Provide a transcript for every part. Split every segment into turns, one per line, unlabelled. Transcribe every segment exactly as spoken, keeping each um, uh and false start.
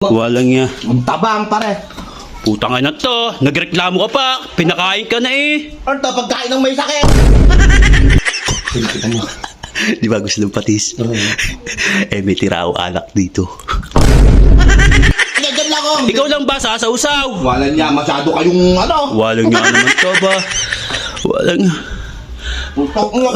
Walang niya.
Ang tabang pare.
Putang ina to. Nagreklamo ka pa. Pinakain ka na eh.
Ano to, pagkain ng may sakit?
Di ba gusto ng patis? Eh may tira ako alak dito.
Ganyan lang ako.
Ikaw lang ba sasausaw?
Wala niya, masyado kayong ano.
Walang nga naman to ba? Walang nga.
Putok nga.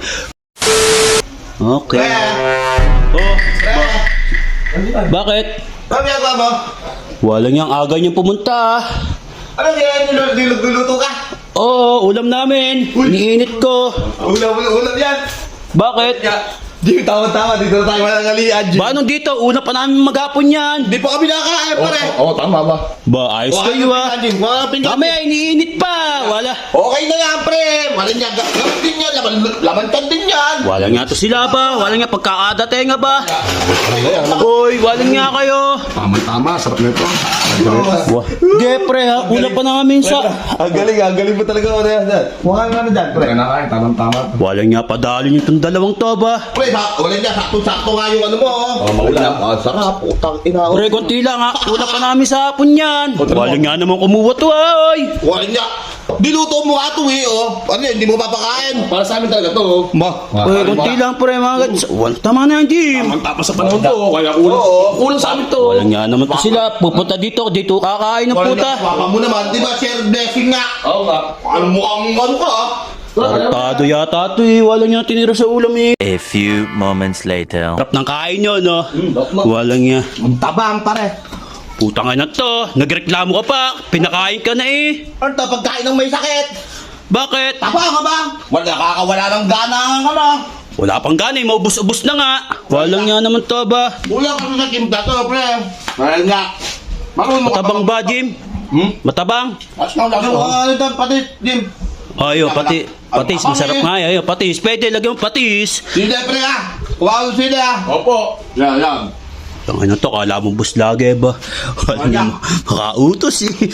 Okay.
Pre.
Oh,
Pre.
bakit?
Ano ginagawa mo?
Walang yang aga niyang pumunta.
Ano ginagawa? Niluluto ka?
Oo, ulam namin. Iniinit ko.
Ulam, ulam, ulam yan.
Bakit?
Ya, di tama-tama, dito na tayo manangalian.
Ba, nung dito, una pa namin maghapon yan.
Di pa kami nakakain pare.
Oo, oh, tama ba?
Ba, ayos kayo ah.
Wala pinag-
Mamaya, iniinit pa. Wala.
Okay na yan pre. Wala niya, gamit din yan. Laman, lamantan din yan.
Wala nga to sila ba? Wala nga pagkakadatenga ba? Hoy, wala nga kayo.
Tama-tama, sarap na ito.
Wah, Jepre ha, una pa namin sa...
Ang galing, ang galing mo talaga. Ano yan? Mukha nga na dyan pre.
Kaya na kain, tamang-tama.
Wala nga padali niyo itong dalawang to ba?
Pre, sa- wala niya, sakto-sakto nga yung ano mo. Oh,
maulam.
Ah, sarap. Utang ina.
Pre, konti lang ha. Una pa namin sa hapon yan. Wala nga naman kumuha to ay.
Wala niya. Diluto mo nga ito eh, oh. Ano yan, hindi mo papakain.
Para sa amin talaga to. oh.
Ma.
Pre, konti lang pre mga gats. Wala, tama na yan, Jim.
Ang tapas sa panahon to, kaya kulang.
Oo.
Kulang sa amin to.
Wala nga naman to sila. Pupunta dito, dito kakain ng
Wala
puta.
niya. Papa mo naman, di ba, share blessing nga.
Oo nga.
Ano mo ang ano ka, ah?
Tartado yata to eh. Wala nga tinira sa ulam eh.
A few moments later.
Sarap ng kain nyo, no? Wala nga.
Ang tabang pare.
Putang ina to. Nagreklamo ka pa. Pinakain ka na eh.
Ano to, pagkain ng may sakit?
Bakit?
Taba ka ba? Wala, nakakawala ng gana ang ano.
Wala pang gana eh. Maubos-ubos na nga. Walang nga naman to ba?
Kulang kasi sa kimda to, pre. Wala nga. Marunong ka
Matabang ba, Jim?
Hmm?
Matabang?
As lang lang. Ano to, pati, Jim.
Ayo, pati, patis. Masarap nga eh. Ayo, patis. Pwede, lagyan mo patis.
Sila, pre, ah. Kuha ko sila, ah.
Opo.
Yan, yan.
Ang ano to, kala mo bus lagi ba? Wala
Wala.
mo. Makautos eh.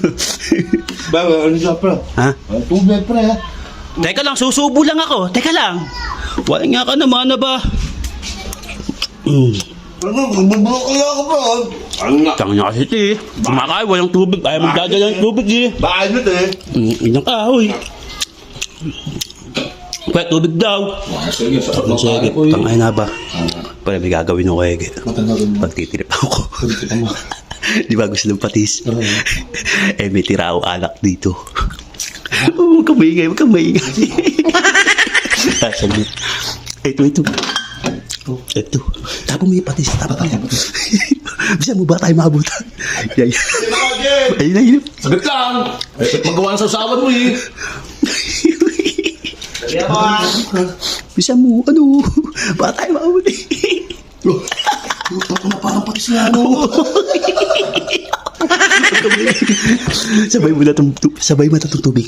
Ba, ano siya, pre?
Ha?
Ang tubig, pre, ah.
Teka lang, susubo lang ako. Teka lang. Wala nga ka naman na ba? Hmm.
Ano, bubulok kaya ako, pre. Ano nga?
Tanga niya kasi ito eh. Kumakain, walang tubig. Ayaw magdadala ng tubig eh.
Bakit nito, eh?
Mm, Ilang kahoy. Pwede tubig daw.
Sige, sarap ng
Sige,
kain.
tangay na ba? Pwede may gagawin ako eh. Pagtitirip ako. Di ba gusto ng patis? Eh may tira ako alak dito. Oh, huwag kang maingay, huwag kang maingay. Saglit. Ito, ito. Ito. Tapos may patis. Tapos may patis. Bisa mo ba tayo maabutan? Yan, yan. Ayun na, yun.
Saglit lang. Eh, magawa sa usawan mo eh.
Kaya ko, ah.
Bisa mo, ano? Ba tayo maabutan?
Luto ko na parang patis nga, ano?
Sabay mo na itong tu- sabay mo na itong tubig.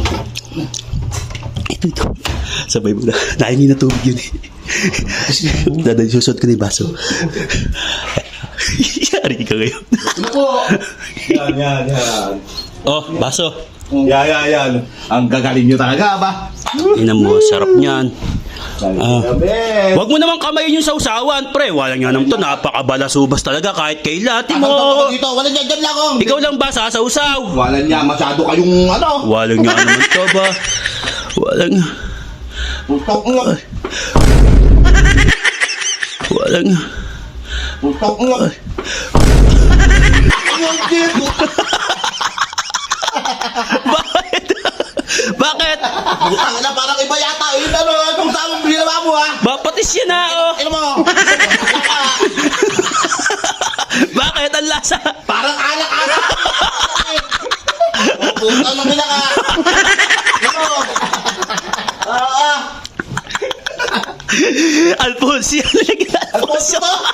Ito, ito. Sabay mo na. Nahingi na tubig yun eh. Dadali, susot ko na yung baso. Yari ka ngayon.
Ano po?
Yan, yan, yan.
Oh, baso.
Yan, yan, yan. Ang gagaling nyo talaga, ba?
Inan mo, sarap niyan. Ah.
Gabi.
Wag mo naman kamayin yung sausawan, pre. Wala nga naman to. Napakabalasubas talaga kahit kailan.
Mo.
Mo.
Dito, wala niya dyan lang, oh.
Ikaw lang ba sasausaw?
Wala niya, masyado kayong ano.
Wala nga naman to ba? Wala nga.
Putok nga.
Wala nga.
Putok nga.
Bakit? Bakit?
Putang na, parang iba yata. Yun, ano, itong tamang ginawa mo, ha?
Ba, patis yan na, oh.
Ano mo?
Bakit ang lasa?
Parang anak-anak. Putang na nila ka. Ano? Ah, ah.
Alfonso yan. Alfonso.
Alfonso.